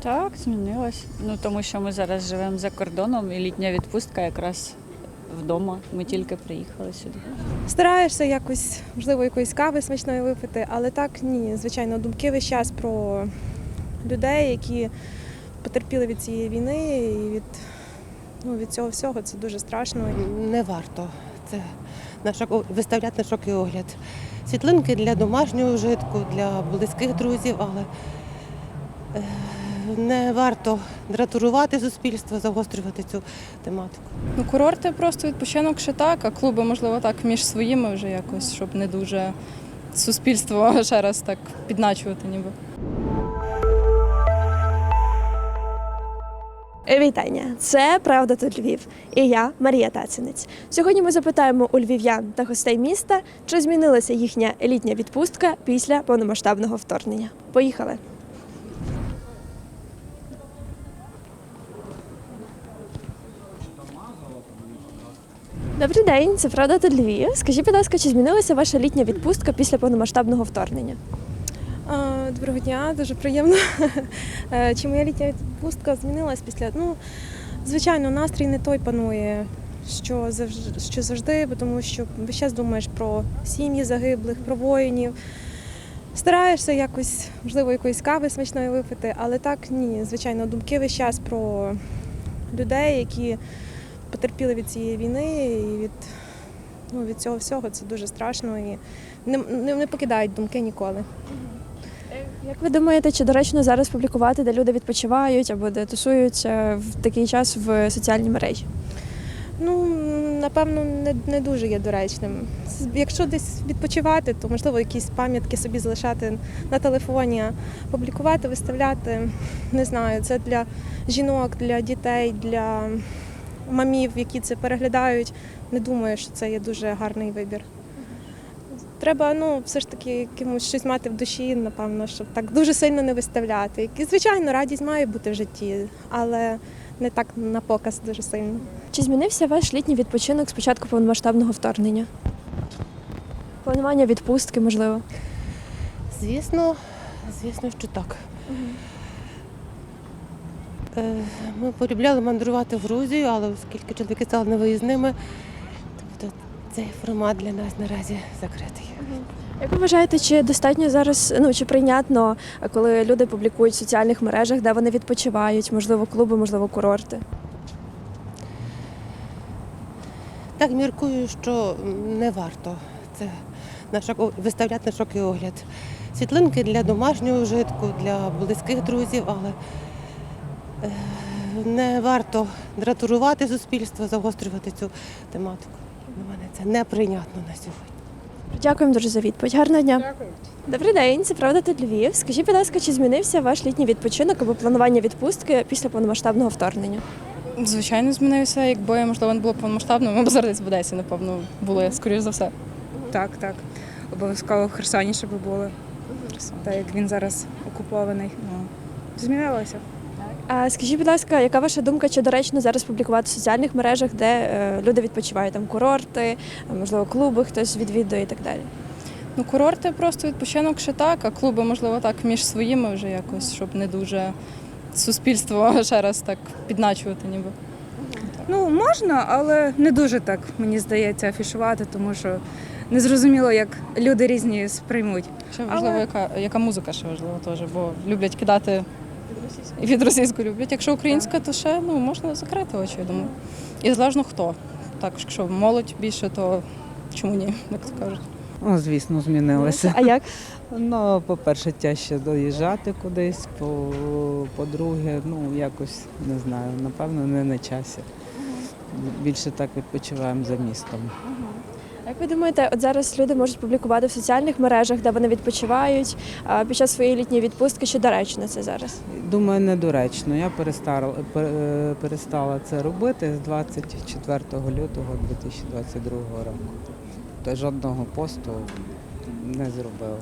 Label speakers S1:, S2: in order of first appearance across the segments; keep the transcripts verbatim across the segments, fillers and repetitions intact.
S1: Так, змінилось. Ну тому що ми зараз живемо за кордоном і літня відпустка якраз вдома. Ми тільки приїхали сюди.
S2: Стараєшся якось, можливо, якоїсь кави смачної випити, але так ні. Звичайно, думки весь час про людей, які потерпіли від цієї війни і від, ну, від цього всього. Це дуже страшно.
S3: Не варто це на шок, виставляти на шок і огляд. Світлинки для домашнього вжитку, для близьких друзів, але е, не варто дратурувати суспільство, загострювати цю тематику.
S4: Ну, курорти просто відпочинок ще так, а клуби, можливо, так між своїми вже якось, щоб не дуже суспільство ще раз так підначувати ніби.
S5: Вітання! Це «Правда тут Львів» і я, Марія Тацинець. Сьогодні ми запитаємо у львів'ян та гостей міста, чи змінилася їхня літня відпустка після повномасштабного вторгнення. Поїхали! Добрий день, це «Правда тут Львів». Скажіть, будь ласка, чи змінилася ваша літня відпустка після повномасштабного вторгнення?
S2: А, Доброго дня, дуже приємно. Е, Чи моя літня відпустка змінилась після? Ну, звичайно, настрій не той панує, що завжди, що завжди, бо тому що весь час думаєш про сім'ї загиблих, про воїнів. Стараєшся якось, можливо, якоїсь кави смачної випити, але так ні. Звичайно, думки весь час про людей, які потерпіли від цієї війни і від, ну, від цього всього. Це дуже страшно і не, не, не покидають думки ніколи.
S5: Як ви думаєте, чи доречно зараз публікувати, де люди відпочивають або де тусуються в такий час в соціальній мережі?
S2: Ну, напевно, не, не дуже є доречним. Якщо десь відпочивати, то можливо якісь пам'ятки собі залишати на телефоні, а публікувати, виставляти, не знаю, це для жінок, для дітей, для мамів, які це переглядають. Не думаю, що це є дуже гарний вибір. Треба, ну, все ж таки якимось щось мати в душі, напевно, щоб так дуже сильно не виставляти. І, звичайно, радість має бути в житті, але не так на показ дуже сильно.
S5: Чи змінився ваш літній відпочинок з початку повномасштабного вторгнення? Планування відпустки, можливо?
S3: Звісно, звісно, що так. Е, Ми полюбляли мандрувати в Грузію, але оскільки чоловіки стали невиїзними, тобто цей формат для нас наразі закритий.
S5: Як ви вважаєте, чи достатньо зараз, ну чи прийнятно, коли люди публікують в соціальних мережах, де вони відпочивають, можливо, клуби, можливо, курорти?
S3: Так, міркую, що не варто це на шок, виставляти на шок і огляд. Світлинки для домашнього вжитку, для близьких друзів, але е, не варто дратурувати суспільство, загострювати цю тематику. Для мене це неприйнятно на сьогодні.
S5: Дякуємо дуже за відповідь. Гарного дня. Дякую. Добрий день, це «Правда тут Львів». Скажіть, будь ласка, чи змінився ваш літній відпочинок або планування відпустки після повномасштабного вторгнення?
S4: Звичайно, змінився, якби, можливо, не було повномасштабно, ми б зараз в Одесі, напевно, були, скоріш за все.
S6: Так, так. Обов'язково в Херсоні, щоб були. Так як він зараз окупований. Ну, змінилося.
S5: А скажіть, будь ласка, яка ваша думка, чи доречно зараз публікувати в соціальних мережах, де е, люди відпочивають, там курорти, можливо, клуби хтось відвідує і так далі?
S4: Ну, курорти просто відпочинок ще так, а клуби, можливо, так між своїми вже якось, щоб не дуже суспільство ще раз так підначувати ніби.
S6: Ну, можна, але не дуже так, мені здається, афішувати, тому що незрозуміло, як люди різні сприймуть.
S4: Ще важливо,
S6: Але-
S4: яка, яка музика ще важлива теж, бо люблять кидати і від російської люблять. Якщо українська, то ще ну, можна закрити очі, я думаю. І залежно хто. Так, якщо молодь більше, то чому ні, як то кажуть.
S7: Ну, звісно, змінилося.
S5: А як?
S7: Ну, по-перше, тяжче доїжджати кудись, по- по-друге, ну, якось, не знаю, напевно, не на часі. Більше так відпочиваємо за містом.
S5: А як ви думаєте, от зараз люди можуть публікувати в соціальних мережах, де вони відпочивають а, під час своєї літньої відпустки, чи доречно це зараз?
S7: Думаю, недоречно. Я перестала, пер- перестала це робити з двадцять четвертого лютого дві тисячі двадцять другого року. Тобто жодного посту не зробила.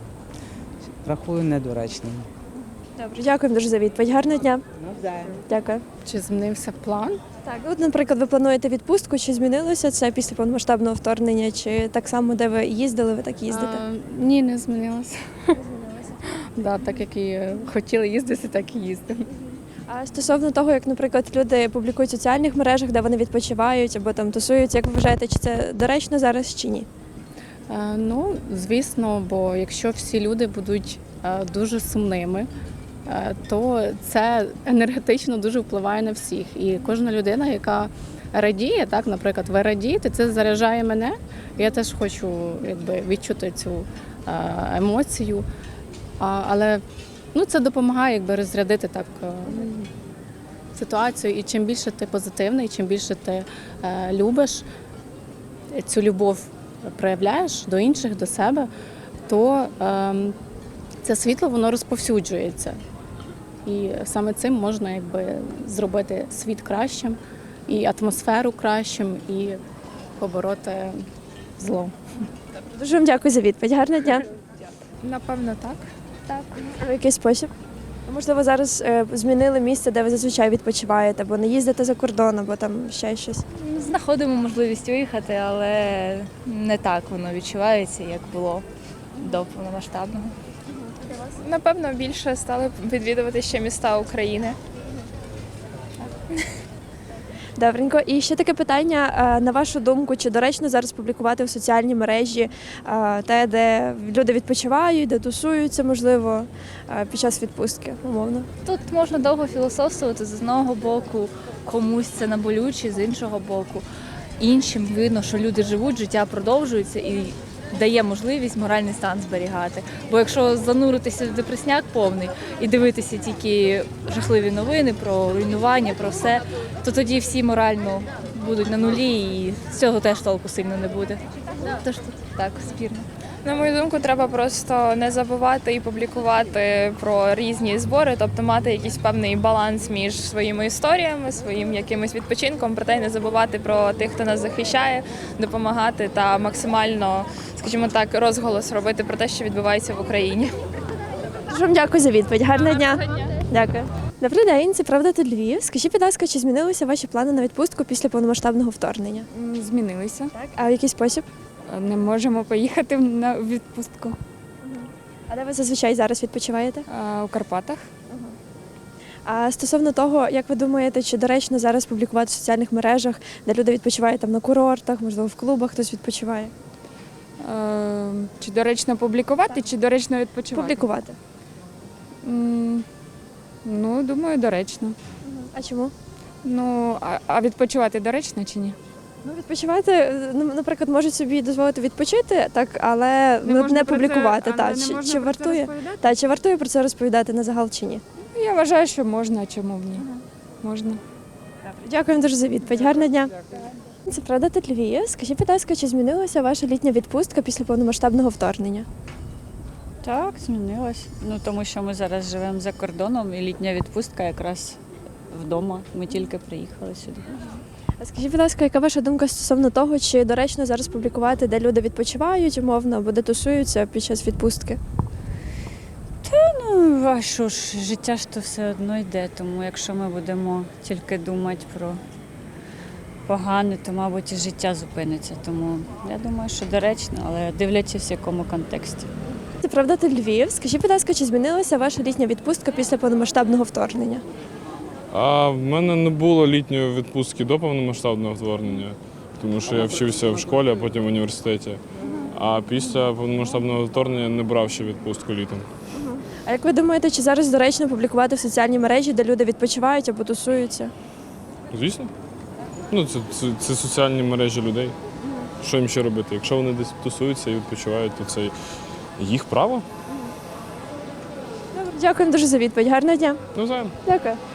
S7: Рахую недоречним.
S5: Добре, дякуємо дуже за відповідь. Гарного дня. Дякую.
S8: Чи змінився план?
S5: Так, от, наприклад, ви плануєте відпустку, чи змінилося це після повномасштабного вторгнення, чи так само, де ви їздили, ви так їздите?
S8: А, ні, не змінилося. Да, так як і хотіли їздити, так і їздимо.
S5: А стосовно того, як, наприклад, люди публікують в соціальних мережах, де вони відпочивають або там тусуються, як ви вважаєте, чи це доречно зараз чи ні?
S8: Е, Ну, звісно, бо якщо всі люди будуть е, дуже сумними, е, то це енергетично дуже впливає на всіх. І кожна людина, яка радіє, так, наприклад, ви радієте, це заряджає мене. Я теж хочу якби, відчути цю е, емоцію. А, але ну, це допомагає якби, розрядити так е, ситуацію. І чим більше ти позитивний, чим більше ти е, любиш цю любов проявляєш до інших, до себе, то е, це світло воно розповсюджується. І саме цим можна якби, зробити світ кращим, і атмосферу кращим, і побороти зло.
S5: Дуже вам дякую за відповідь. Гарного дня.
S6: Напевно, так.
S5: Так. В який спосіб? Можливо, зараз е, змінили місце, де ви зазвичай відпочиваєте, або не їздите за кордон, або там ще щось.
S9: Знаходимо можливість виїхати, але не так воно відчувається, як було до повномасштабного.
S10: Напевно, більше стали відвідувати ще міста України.
S5: Добренько. І ще таке питання. е, На вашу думку, чи доречно зараз публікувати в соціальній мережі е, те, де люди відпочивають, де тусуються, можливо, е, під час відпустки, умовно?
S9: Тут можна довго філософствувати з одного боку, комусь це наболюче, з іншого боку. Іншим видно, що люди живуть, життя продовжується і дає можливість моральний стан зберігати. Бо якщо зануритися в депресняк повний і дивитися тільки жахливі новини про руйнування, про все, то тоді всі морально будуть на нулі і з цього теж толку сильно не буде. Тож тут так, спірно.
S10: На мою думку, треба просто не забувати і публікувати про різні збори, тобто мати якийсь певний баланс між своїми історіями, своїм якимось відпочинком, проте й не забувати про тих, хто нас захищає, допомагати та максимально, скажімо так, розголос робити про те, що відбувається в Україні.
S5: Дуже вам дякую за відповідь. Гарного дня. Дякую. Добрий день, це «Правда тут Львів». Скажіть, будь ласка, чи змінилися ваші плани на відпустку після повномасштабного вторгнення?
S11: Змінилися.
S5: Так. А в який спосіб?
S11: Не можемо поїхати на відпустку.
S5: А де ви зазвичай зараз відпочиваєте?
S11: А, у Карпатах.
S5: А стосовно того, як ви думаєте, чи доречно зараз публікувати в соціальних мережах, де люди відпочивають там на курортах, можливо, в клубах хтось відпочиває?
S11: Е, Чи доречно публікувати, чи доречно відпочивати?
S5: Публікувати.
S11: М, Ну, думаю, доречно.
S5: А чому?
S11: Ну, а, а відпочивати доречно чи ні?
S5: Ну, відпочивати, ну, наприклад, можуть собі дозволити відпочити, так, але не,
S11: можна
S5: не
S11: про це-
S5: публікувати.
S11: але
S5: Та,
S11: не
S5: чи,
S11: можна
S5: чи
S11: про це
S5: вартує?
S11: розповідати?
S5: Та, чи вартує про це розповідати на загал чи ні?
S11: Ну, я вважаю, що можна, а чому б ні? Можна.
S5: Дякую дуже за відповідь. Гарного дня. Це «Правда тут Львів». Скажіть, будь ласка, чи змінилася ваша літня відпустка після повномасштабного вторгнення?
S1: Так, змінилось. Ну тому що ми зараз живемо за кордоном, і літня відпустка якраз вдома. Ми тільки приїхали сюди.
S5: А скажіть, будь ласка, яка ваша думка стосовно того, чи доречно зараз публікувати, де люди відпочивають, умовно, або де тусуються під час відпустки?
S1: Ну, а що ж, життя ж то все одно йде, тому якщо ми будемо тільки думати про погане, то, мабуть, і життя зупиниться. Тому я думаю, що доречно, але дивлячись в якому контексті.
S5: Це «Правда тут Львів». Скажіть, будь ласка, чи змінилася ваша літня відпустка після повномасштабного вторгнення?
S12: А в мене не було літньої відпустки до повномасштабного вторгнення, тому що я вчився в школі, а потім в університеті. А після повномасштабного вторгнення не брав ще відпустку літом.
S5: А як ви думаєте, чи зараз доречно публікувати в соціальній мережі, де люди відпочивають або тусуються?
S12: Звісно. Ну, це, це, це соціальні мережі людей. Що їм ще робити? Якщо вони десь тусуються і відпочивають, то це їх право.
S5: Добре, дякуємо дуже за відповідь. Гарного дня.
S12: Навзаєм.
S5: Дякую.